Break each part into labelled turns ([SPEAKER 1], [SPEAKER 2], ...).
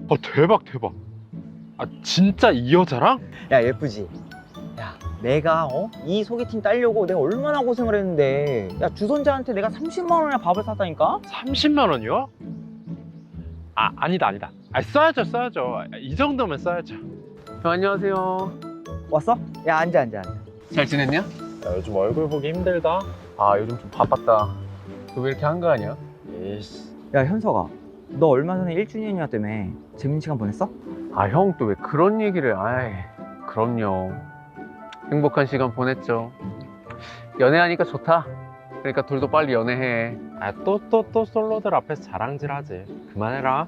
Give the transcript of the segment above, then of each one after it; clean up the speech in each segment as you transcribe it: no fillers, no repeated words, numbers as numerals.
[SPEAKER 1] 대박 대박. 아 진짜 이 여자랑?
[SPEAKER 2] 야, 예쁘지? 야, 내가 이 소개팅 따려고 내가 얼마나 고생을 했는데, 야, 주선자한테 내가 30만 원이나 밥을 샀다니까?
[SPEAKER 1] 30만 원이요? 아니다 아니다. 써야죠 써야죠. 이 정도면 써야죠.
[SPEAKER 3] 안녕하세요.
[SPEAKER 2] 왔어? 야, 앉아.
[SPEAKER 3] 잘 지냈냐?
[SPEAKER 1] 야, 요즘 얼굴 보기 힘들다.
[SPEAKER 3] 아, 요즘 좀 바빴다. 너 왜 이렇게 한가하냐?
[SPEAKER 1] 에이씨.
[SPEAKER 2] 야, 현석아, 너 얼마 전에 1주년이었다며. 재밌는 시간 보냈어?
[SPEAKER 3] 아, 형 또 왜 그런 얘기를. 아이, 그럼요. 행복한 시간 보냈죠. 연애하니까 좋다. 그러니까 둘도 빨리 연애해.
[SPEAKER 1] 또 솔로들 앞에서 자랑질하지. 그만해라.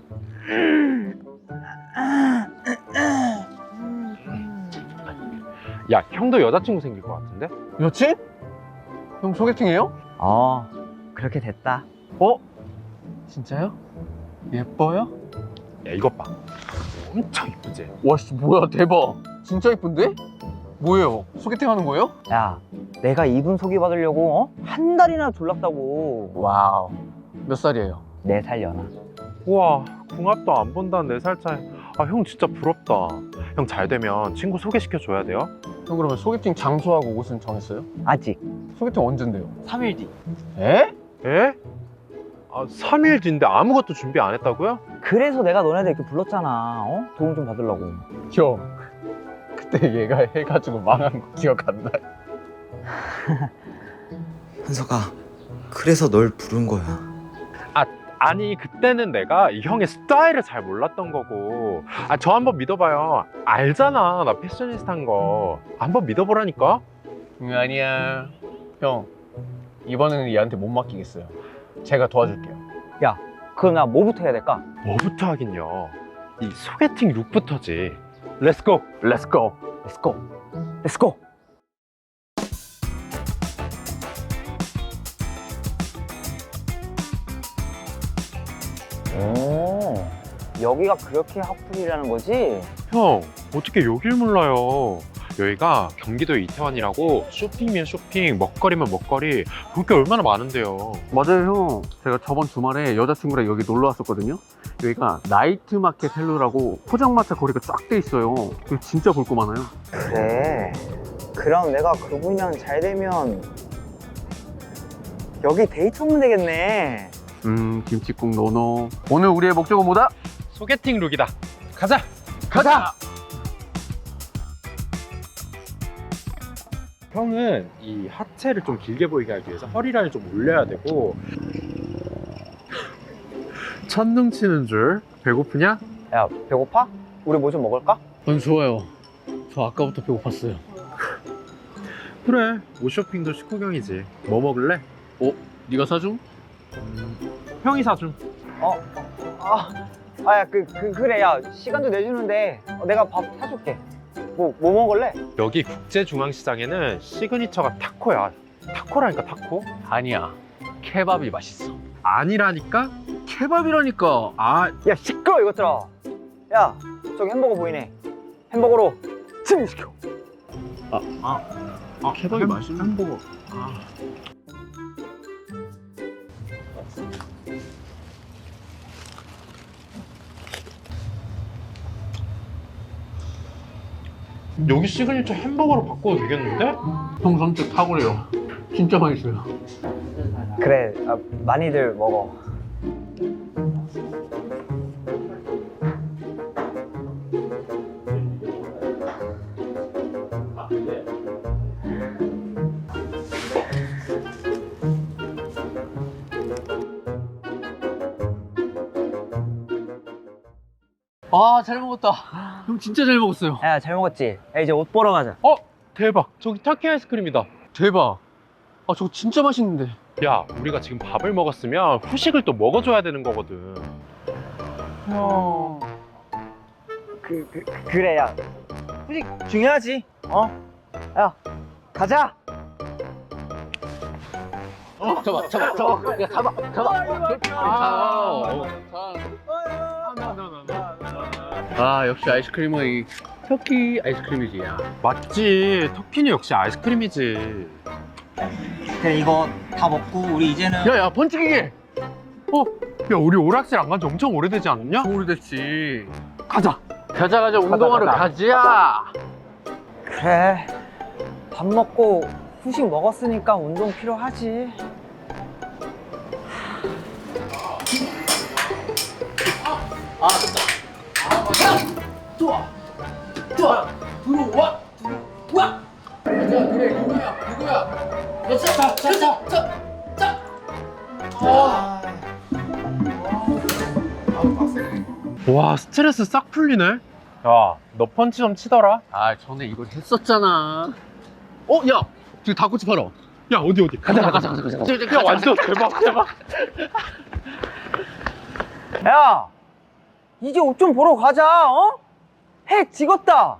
[SPEAKER 1] 야 형도 여자친구 생길 것 같은데?
[SPEAKER 3] 여친? 형 소개팅해요?
[SPEAKER 2] 그렇게 됐다.
[SPEAKER 3] 어? 진짜요? 예뻐요?
[SPEAKER 1] 야 이것 봐. 엄청 이쁘지?
[SPEAKER 3] 와, 씨, 뭐야, 대박. 진짜 예쁜데? 뭐예요? 소개팅 하는 거예요?
[SPEAKER 2] 야, 내가 이분 소개받으려고 한 달이나 졸랐다고.
[SPEAKER 3] 와우. 몇 살이에요?
[SPEAKER 2] 4살 연하.
[SPEAKER 1] 우와 궁합도 안 본다는 4살 차이. 형 진짜 부럽다. 형 잘 되면 친구 소개시켜 줘야 돼요.
[SPEAKER 3] 형 그러면 소개팅 장소하고 옷은 정했어요?
[SPEAKER 2] 아직
[SPEAKER 3] 소개팅 언젠데요?
[SPEAKER 2] 3일 뒤.
[SPEAKER 3] 에?
[SPEAKER 1] 에? 3일 뒤인데 아무것도 준비 안 했다고요?
[SPEAKER 2] 그래서 내가 너네들 이렇게 불렀잖아. 도움 좀 받으려고.
[SPEAKER 3] 형, 그때 얘가 해가지고 망한 거 기억 안 나?
[SPEAKER 4] 현석아, 그래서 널 부른 거야.
[SPEAKER 1] 아니 그때는 내가 이 형의 스타일을 잘 몰랐던 거고. 저 한번 믿어봐요. 알잖아 나 패셔니스타인 거. 한번 믿어보라니까.
[SPEAKER 3] 아니야. 형, 이번에는 얘한테 못 맡기겠어요. 제가 도와줄게요.
[SPEAKER 2] 그럼 나 뭐부터 해야 될까?
[SPEAKER 1] 뭐부터 하긴요. 이 소개팅 룩부터지. 렛츠고.
[SPEAKER 3] 렛츠고.
[SPEAKER 2] 렛츠고. 렛츠고. 여기가 그렇게 핫플이라는 거지?
[SPEAKER 1] 형 어떻게 여길 몰라요. 여기가 경기도 이태원이라고 쇼핑이면 쇼핑, 먹거리면 먹거리, 볼 게 얼마나 많은데요.
[SPEAKER 3] 맞아요, 형. 제가 저번 주말에 여자친구랑 여기 놀러 왔었거든요. 여기가 나이트 마켓 헬로라고 포장마차 거리가 쫙 돼 있어요. 여기 진짜 볼 거 많아요.
[SPEAKER 2] 그래. 그럼 내가 그분이랑 잘 되면 여기 데이트 오면 되겠네.
[SPEAKER 3] 김치국 노노. 오늘 우리의 목적은 뭐다?
[SPEAKER 1] 소개팅 룩이다. 가자.
[SPEAKER 3] 가자!
[SPEAKER 1] 형은 이 하체를 좀 길게 보이게 하기 위해서 허리라인을 좀 올려야 되고. 천둥 치는 줄. 배고프냐?
[SPEAKER 2] 야, 배고파? 우리 뭐 좀 먹을까?
[SPEAKER 3] 좋아요. 저 아까부터 배고팠어요.
[SPEAKER 1] 그래 옷 쇼핑도 식후경이지. 뭐 먹을래?
[SPEAKER 3] 네가 사줌?
[SPEAKER 1] 형이 사줌.
[SPEAKER 2] 야, 그래. 야, 시간도 내주는데 내가 밥 사줄게. 뭐 먹을래?
[SPEAKER 1] 여기 국제중앙시장에는 시그니처가 타코야. 타코라니까 타코?
[SPEAKER 3] 아니야. 케밥이 맛있어.
[SPEAKER 1] 아니라니까?
[SPEAKER 3] 케밥이라니까.
[SPEAKER 2] 야, 시끄러워, 이것들아. 야, 저기 햄버거 보이네. 햄버거로 승리시켜.
[SPEAKER 3] 케밥이 맛있는
[SPEAKER 1] 햄버거. 여기 시그니처 햄버거로 바꿔도 되겠는데?
[SPEAKER 3] 형 선택 탁월해요. 진짜 맛있어요.
[SPEAKER 2] 그래, 많이들 먹어.
[SPEAKER 3] 잘 먹었다. 형 진짜 잘 먹었어요.
[SPEAKER 2] 야, 잘 먹었지? 야, 이제 옷 보러 가자.
[SPEAKER 1] 대박. 저기 터키 아이스크림이다.
[SPEAKER 3] 대박. 저거 진짜 맛있는데.
[SPEAKER 1] 야, 우리가 지금 밥을 먹었으면 후식을 또 먹어줘야 되는 거거든.
[SPEAKER 2] 그래, 야. 후식 중요하지? 야, 가자!
[SPEAKER 3] 잡아. 야, 잡아. 역시 아이스크림은 이 터키 아이스크림이지. 야.
[SPEAKER 1] 맞지. 터키는 역시 아이스크림이지.
[SPEAKER 2] 그래, 이거 다 먹고 우리 이제는
[SPEAKER 3] 야, 번치기계.
[SPEAKER 1] 야, 우리 오락실 안 간 지 엄청 오래되지 않았냐?
[SPEAKER 3] 오래됐지.
[SPEAKER 1] 가자.
[SPEAKER 3] 가자, 운동하러 가자.
[SPEAKER 2] 그래. 밥 먹고 후식 먹었으니까 운동 필요하지.
[SPEAKER 1] 와, 스트레스 싹 풀리네. 야, 너 펀치 좀 치더라.
[SPEAKER 3] 아, 전에 이걸 했었잖아. 야, 지금 닭꼬치 팔아.
[SPEAKER 1] 야, 어디. 가자. 야, 완전 대박.
[SPEAKER 2] 야, 이제 옷 좀 보러 가자. 어? 해 지겄다.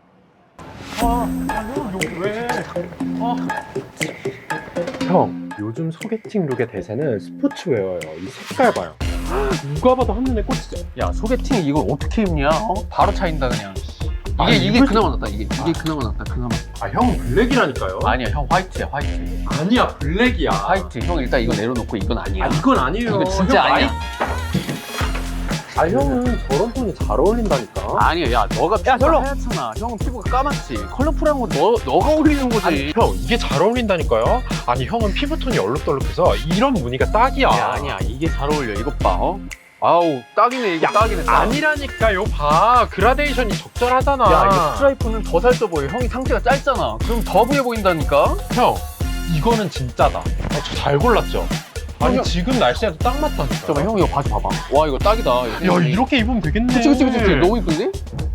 [SPEAKER 1] 형, 요즘 소개팅 룩의 대세는 스포츠웨어예요. 이 색깔 봐요. 누가 봐도 한눈에 꽂히죠.
[SPEAKER 3] 야, 소개팅 이걸 어떻게 입냐? 바로 차인다 그냥. 이게 그나마 낫다. 이게 그나마 낫다. 그나마.
[SPEAKER 1] 아, 형은 블랙이라니까요.
[SPEAKER 3] 아니야, 형 화이트야, 화이트.
[SPEAKER 1] 아니야, 블랙이야.
[SPEAKER 3] 화이트. 형 일단 이거 내려놓고 이건 아니야.
[SPEAKER 1] 아, 이건 아니에요.
[SPEAKER 3] 이거 진짜
[SPEAKER 1] 형,
[SPEAKER 3] 아니야.
[SPEAKER 1] 아, 형은 저런 톤이 잘 어울린다니까.
[SPEAKER 3] 아니야, 야, 너가 피부가
[SPEAKER 2] 절로.
[SPEAKER 3] 하얗잖아. 형은 피부가 까맣지. 컬러풀한 거 너가 어울리는 거지.
[SPEAKER 1] 아니, 형, 이게 잘 어울린다니까요. 아니, 형은 피부톤이 얼룩덜룩해서 이런 무늬가 딱이야.
[SPEAKER 3] 야, 아니야, 이게 잘 어울려. 이것 봐, 아우, 딱이네, 이게 딱이네. 딱.
[SPEAKER 1] 아니라니까요. 봐, 그라데이션이 적절하잖아.
[SPEAKER 3] 야, 이거 스트라이프는 더 살쪄 보여. 형이 상체가 짧잖아. 그럼 더 부해 보인다니까?
[SPEAKER 1] 형, 이거는 진짜다. 저 잘 골랐죠. 아니,
[SPEAKER 3] 형.
[SPEAKER 1] 지금 날씨에도 딱 맞다니까.
[SPEAKER 3] 잠깐만, 형 이거 바지 봐봐. 와, 이거 딱이다.
[SPEAKER 1] 야, 이렇게 입으면 되겠네.
[SPEAKER 3] 그치. 너무 이쁜데?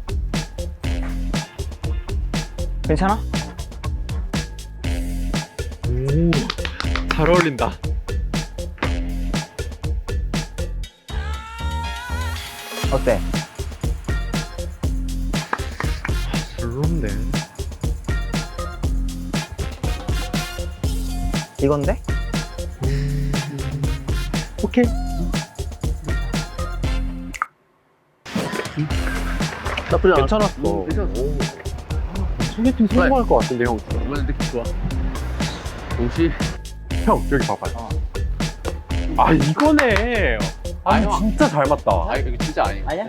[SPEAKER 2] 괜찮아?
[SPEAKER 1] 오, 잘 어울린다.
[SPEAKER 2] 어때?
[SPEAKER 1] 별론데.
[SPEAKER 2] 이건데?
[SPEAKER 1] 오케이.
[SPEAKER 3] 나쁘지
[SPEAKER 1] 괜찮았어.
[SPEAKER 3] 괜찮았어.
[SPEAKER 1] 소개팅 성공할 것 같은데, 형.
[SPEAKER 3] 이번엔 느낌 좋아. 동시.
[SPEAKER 1] 형, 여기 봐봐요. 아, 이거네. 아,
[SPEAKER 3] 형.
[SPEAKER 1] 진짜 잘 맞다.
[SPEAKER 3] 아, 이거 진짜 아니야.
[SPEAKER 2] 아니야?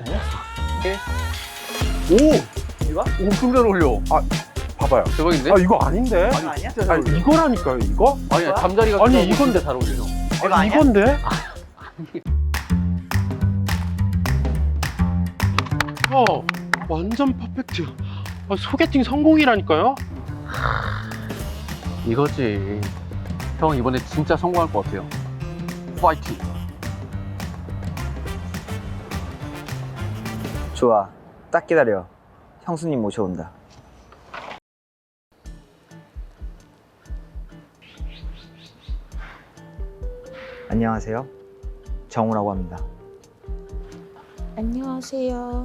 [SPEAKER 1] 오!
[SPEAKER 2] 이거?
[SPEAKER 3] 엄청 잘 어울려.
[SPEAKER 1] 봐봐요.
[SPEAKER 3] 대박인데?
[SPEAKER 1] 아, 이거 아닌데?
[SPEAKER 2] 이거 아니야?
[SPEAKER 3] 진짜 잘
[SPEAKER 1] 아니,
[SPEAKER 3] 어울려.
[SPEAKER 1] 이거라니까요, 이거?
[SPEAKER 3] 아니야,
[SPEAKER 2] 이거야?
[SPEAKER 3] 잠자리가
[SPEAKER 1] 아니,
[SPEAKER 3] 크다고
[SPEAKER 1] 이건데.
[SPEAKER 3] 진짜 잘 어울려. 형.
[SPEAKER 2] 이거 아니야?
[SPEAKER 1] 이건데? 형, 완전 퍼펙트. 아, 소개팅 성공이라니까요?
[SPEAKER 3] 이거지. 형 이번에 진짜 성공할 것 같아요. 파이팅.
[SPEAKER 2] 좋아. 딱 기다려. 형수님 모셔온다. 안녕하세요. 정우라고 합니다.
[SPEAKER 5] 안녕하세요.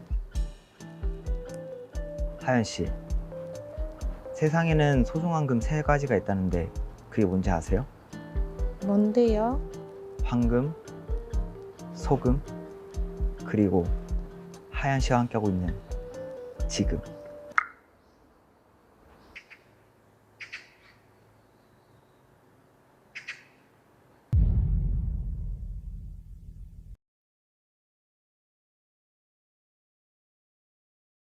[SPEAKER 2] 하연 씨. 세상에는 소중한 금 3가지가 있다는데 그게 뭔지 아세요?
[SPEAKER 5] 뭔데요?
[SPEAKER 2] 황금, 소금, 그리고 하연 씨와 함께하고 있는 지금.